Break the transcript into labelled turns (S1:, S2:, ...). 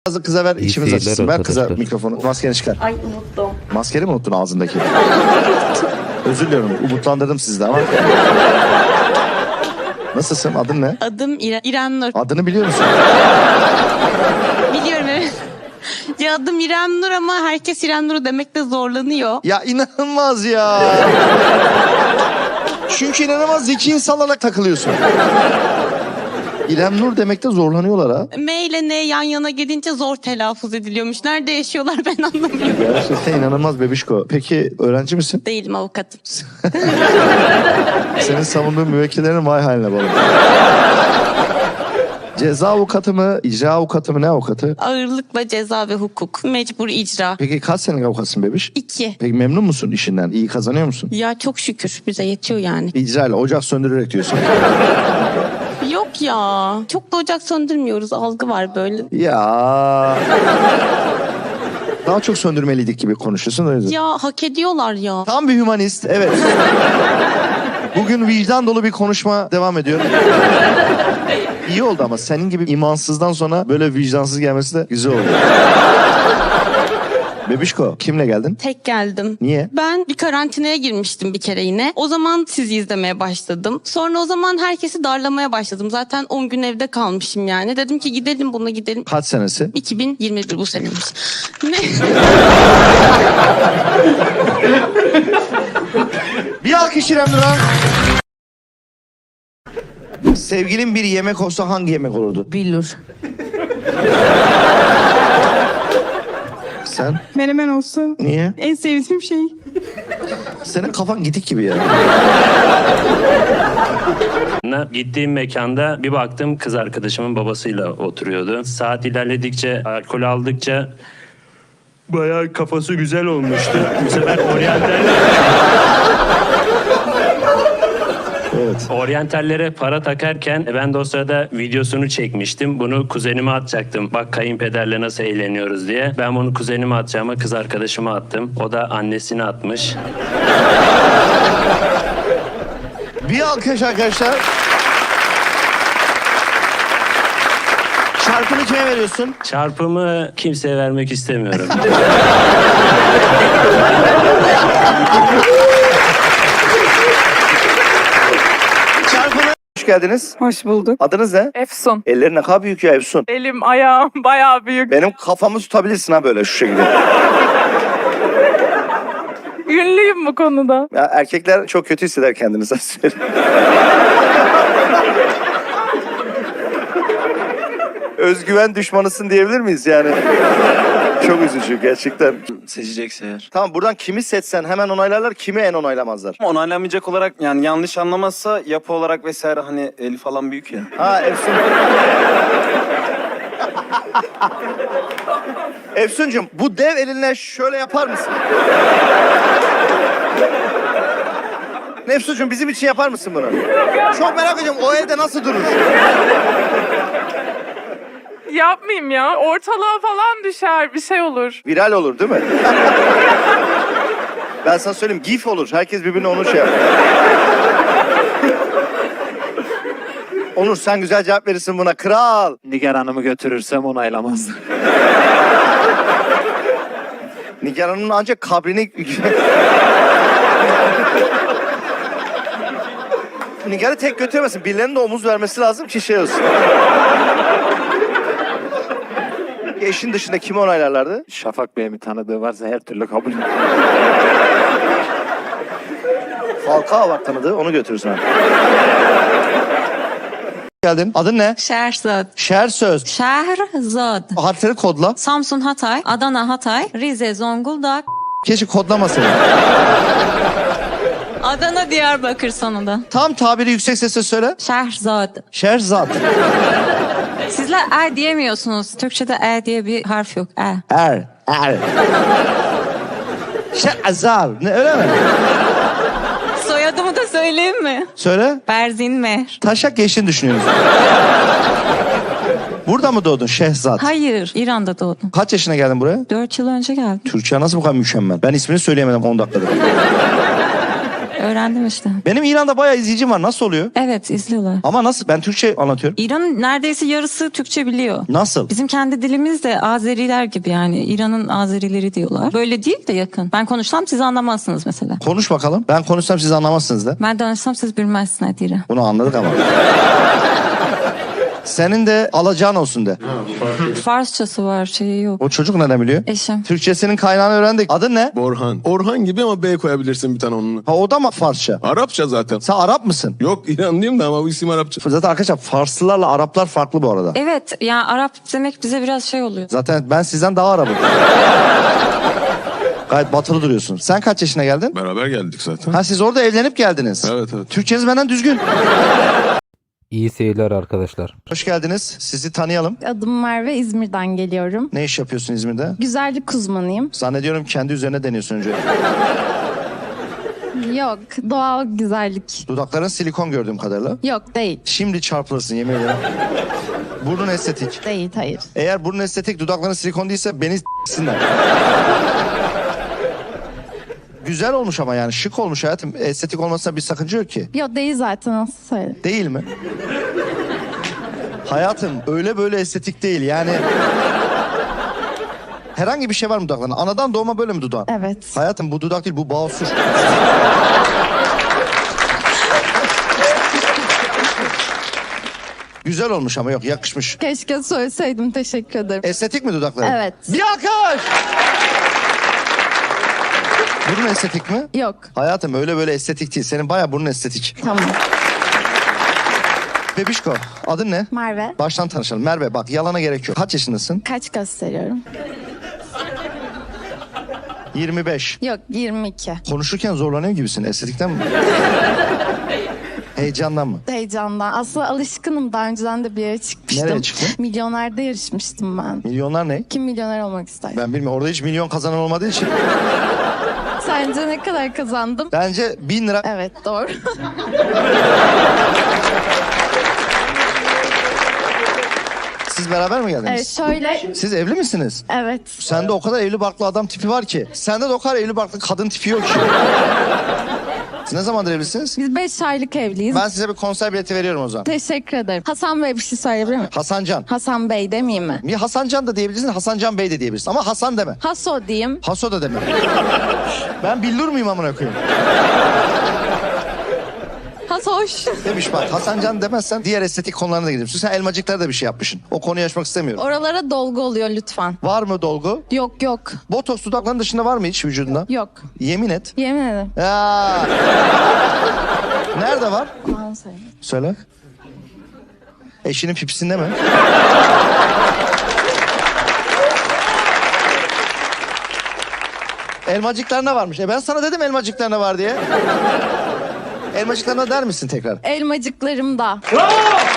S1: Kıza ver, içimiz
S2: seyirler
S1: açılsın. Ver kıza
S2: arkadaşlar.
S1: mikrofonu. Maskeni çıkar.
S3: Ay unuttum.
S1: Maskeni mi unuttun ağzındaki? Özür diliyorum. Umutlandırdım sizi de ama. Nasılsın? Adın ne?
S3: Adım İrem Nur.
S1: Adını biliyor musun?
S3: Biliyorum evet. Ya adım İrem Nur ama herkes İrem Nur demekte zorlanıyor.
S1: Ya inanılmaz ya. Çünkü inanılmaz zeki insanlarla takılıyorsun. İrem Nur demekte zorlanıyorlar ha.
S3: M ile N yan yana gelince zor telaffuz ediliyormuş. Nerede yaşıyorlar ben anlamıyorum.
S1: Gerçekten inanılmaz bebişko. Peki öğrenci misin?
S3: Değilim avukatım.
S1: Senin savunduğun müvekkillerin vay haline bağlı. Ceza avukatı mı, icra avukatı mı, ne avukatı?
S3: Ağırlıkla ceza ve hukuk. Mecbur icra.
S1: Peki kaç senelik avukatsın bebiş?
S3: 2.
S1: Peki memnun musun işinden? İyi kazanıyor musun?
S3: Ya çok şükür bize yetiyor yani.
S1: İcra ile ocak söndürerek diyorsun.
S3: Yok ya. Çok da ocak söndürmüyoruz. Algı var böyle.
S1: Ya. Daha çok söndürmeliydik gibi konuşuyorsun. O yüzden.
S3: Ya hak ediyorlar ya.
S1: Tam bir hümanist, evet. Bugün vicdan dolu bir konuşma devam ediyor. İyi oldu ama senin gibi imansızdan sonra böyle vicdansız gelmesi de güzel oldu. Bebişko, kimle geldin?
S3: Tek geldim.
S1: Niye?
S3: Ben bir karantinaya girmiştim bir kere yine. O zaman sizi izlemeye başladım. Sonra o zaman herkesi darlamaya başladım. Zaten 10 gün evde kalmışım yani. Dedim ki gidelim buna gidelim.
S1: Kaç senesi?
S3: 2021 bu seneymiş. Ne?
S1: Bir alkış İrem Nur'a. Sevgilin bir yemek olsa hangi yemek olurdu?
S3: Billur.
S1: Sen?
S4: Menemen olsa
S1: Niye?
S4: en sevdiğim şey.
S1: Senin kafan gidik gibi ya.
S5: Gittiğim mekanda bir baktım kız arkadaşımın babasıyla oturuyordu. Saat ilerledikçe, alkol aldıkça bayağı kafası güzel olmuştu. Bu sefer oryantallere para takarken ben de o sırada videosunu çekmiştim. Bunu kuzenime atacaktım. Bak kayınpederle nasıl eğleniyoruz diye. Ben bunu kuzenime atacağıma kız arkadaşıma attım. O da annesine atmış.
S1: Bir alkış arkadaşlar. Çarpını kime veriyorsun?
S5: Çarpımı kimseye vermek istemiyorum.
S1: Çarpını... Hoş geldiniz.
S4: Hoş bulduk.
S1: Adınız ne?
S4: Efsun.
S1: Ellerin ne kadar büyük ya Efsun.
S4: Elim, ayağım bayağı büyük.
S1: Benim kafamı tutabilirsin ha böyle şu şekilde.
S4: Ünlüyüm bu konuda.
S1: Ya erkekler çok kötü hisseder kendini sana söyleyeyim. Özgüven düşmanısın diyebilir miyiz yani? Çok üzücü gerçekten.
S6: Seçecekse eğer.
S1: Tamam buradan kimi seçsen hemen onaylarlar, kimi en onaylamazlar.
S6: Onaylanmayacak olarak yani yanlış anlamazsa yapı olarak vesaire hani eli falan büyük ya.
S1: Ha Efsun. Efsuncuğum bu dev elinle şöyle yapar mısın? Efsuncuğum bizim için yapar mısın bunu? Çok merak ediyorum o elde nasıl durur?
S4: Yapmayayım ya. Ortalığa falan düşer. Bir şey olur.
S1: Viral olur değil mi? Ben sana söyleyeyim gif olur. Herkes birbirine onu şey yapar. Onur sen güzel cevap verirsin buna. Kral.
S7: Nigar Hanım'ı götürürsem onaylamazdı.
S1: Nigar Hanım'ın ancak kabrini... Nigar'ı tek götüremezsin. Birilerinin de omuz vermesi lazım ki şey olsun. Eşin dışında kimi onaylarlardı?
S7: Şafak Bey'in bir tanıdığı varsa her türlü kabul.
S1: Falcao var tanıdığı, onu götürürsün. Geldin. Adın ne?
S8: Şehrzad.
S1: Şersöz.
S8: Şehrzad.
S1: Harfleri kodla.
S8: Samsun Hatay, Adana Hatay, Rize Zonguldak,
S1: Keşke kodlamasın.
S8: Adana Diyarbakır sonunda.
S1: Tam tabiri yüksek sesle söyle.
S8: Şehrzad.
S1: Şerzat.
S8: Sizler diyemiyorsunuz. Türkçe'de diye bir harf yok.
S1: Er. Şehzar. Ne öyle mi?
S8: Soyadımı da söyleyeyim mi?
S1: Söyle.
S8: Berzin Mehr.
S1: Taşak geçtiğini düşünüyoruz. Burada mı doğdun Şehzat?
S8: Hayır, İran'da doğdum.
S1: Kaç yaşına geldin buraya?
S8: 4 yıl önce geldim.
S1: Türkçe nasıl bu kadar mükemmel? Ben ismini söyleyemedim 10 dakikada.
S8: öğrendim işte.
S1: Benim İran'da bayağı izleyicim var. Nasıl oluyor?
S8: Evet izliyorlar.
S1: Ama nasıl? Ben Türkçe anlatıyorum.
S8: İran'ın neredeyse yarısı Türkçe biliyor.
S1: Nasıl?
S8: Bizim kendi dilimiz de Azeriler gibi yani. İran'ın Azerileri diyorlar. Böyle değil de yakın. Ben konuşsam siz anlamazsınız mesela.
S1: Konuş bakalım. Ben konuşsam siz anlamazsınız da.
S8: Ben danışsam siz bilmezsiniz Adira.
S1: Bunu anladık ama. Senin de alacağın olsun de.
S8: Farsçası var şeyi yok.
S1: O çocuk nereden biliyor?
S8: Eşim.
S1: Türkçesinin kaynağını öğrendik. Adın ne?
S2: Orhan. Orhan gibi ama B koyabilirsin bir tane onunla.
S1: Ha, o da mı Farsça?
S2: Arapça zaten.
S1: Sen Arap mısın?
S2: Yok İranlıyım da ama bu isim Arapça.
S1: Zaten arkadaşlar Farslılarla Araplar farklı bu arada.
S8: Evet yani Arap demek bize biraz şey oluyor.
S1: Zaten ben sizden daha Arap'ım. Gayet batılı duruyorsun. Sen kaç yaşına geldin?
S2: Beraber geldik zaten.
S1: Ha, siz orada evlenip geldiniz.
S2: Evet evet.
S1: Türkçeniz benden düzgün.
S9: İyi seyirler arkadaşlar.
S1: Hoş geldiniz. Sizi tanıyalım.
S10: Adım Merve, İzmir'den geliyorum.
S1: Ne iş yapıyorsun İzmir'de?
S10: Güzellik uzmanıyım.
S1: Zannediyorum kendi üzerine deniyorsun önce.
S10: Yok, doğal güzellik.
S1: Dudakların silikon gördüğüm kadarıyla.
S10: Yok, değil.
S1: Şimdi çarpılırsın yemin ederim. Burnun estetik.
S10: Değil, hayır.
S1: Eğer burnun estetik, dudakların silikon değilse beni s**sinler. Güzel olmuş ama yani şık olmuş hayatım. Estetik olmasına bir sakınca yok ki.
S10: Yok, değil zaten, nasıl söyleyeyim.
S1: Değil mi? Hayatım öyle böyle estetik değil yani. Herhangi bir şey var mı dudaklarında? Anadan doğma böyle mi dudağın?
S10: Evet.
S1: Hayatım bu dudak değil, bu basur. Güzel olmuş ama yok, yakışmış.
S10: Keşke söyleseydim, teşekkür ederim.
S1: Estetik mi dudakların?
S10: Evet.
S1: Bir alkış! Burun estetik mi?
S10: Yok,
S1: Hayatım öyle böyle estetik değil. Senin bayağı burnun estetik.
S10: tamam.
S1: Bebişko, adın ne?
S10: Merve,
S1: Baştan tanışalım. Merve bak, yalana gerek yok. Kaç yaşındasın?
S10: kaç gösteriyorum?
S1: 25.
S10: Yok, 22.
S1: Konuşurken zorlanıyor gibisin. Estetikten mi? Heyecandan mı?
S10: Heyecandan. Aslında alışkınım. Daha önceden de bir yere çıkmıştım.
S1: Nereye çıktın?
S10: Milyonerde yarışmıştım ben.
S1: Milyonlar ne?
S10: Kim milyoner olmak ister?
S1: Ben bilmiyorum. Orada hiç milyon kazanan olmadığı için.
S10: Sence ne kadar kazandım?
S1: Bence 1000 lira.
S10: Evet, doğru.
S1: Siz beraber mi geldiniz?
S10: Evet, şöyle.
S1: Siz evli misiniz?
S10: Evet.
S1: Sende o kadar evli barklı adam tipi var ki. Sende de o kadar evli barklı kadın tipi yok ki. Siz ne zamandır evlisiniz?
S10: Biz 5 aylık evliyiz.
S1: Ben size bir konser bileti veriyorum o zaman.
S10: Teşekkür ederim. Hasan Bey bir şey söyleyebilir miyim?
S1: Hasancan.
S10: Hasan Bey demeyeyim mi?
S1: Bir Hasancan da diyebilirsin, Hasancan Bey de diyebilirsin. Ama Hasan deme.
S10: Haso diyeyim.
S1: Haso da deme. Ben billur muyum amına koyayım?
S10: Hasoş.
S1: Demiş bak, Hasancan demezsen diğer estetik konularına da gidiyorsun. Sen elmacıklara da bir şey yapmışsın. O konuyu açmak istemiyorum.
S10: Oralara dolgu oluyor lütfen.
S1: Var mı dolgu?
S10: Yok yok.
S1: Botoks dudakların dışında var mı hiç vücudunda?
S10: Yok.
S1: Yemin et.
S10: Yemin ederim.
S1: Ya. Nerede var?
S10: Aman söyleyeyim.
S1: Söyle. Eşinin pipisinde mi? Elmacıklarına varmış. Ben sana dedim elmacıklarına var diye. Elmacıklarına der misin tekrar?
S10: Elmacıklarımda.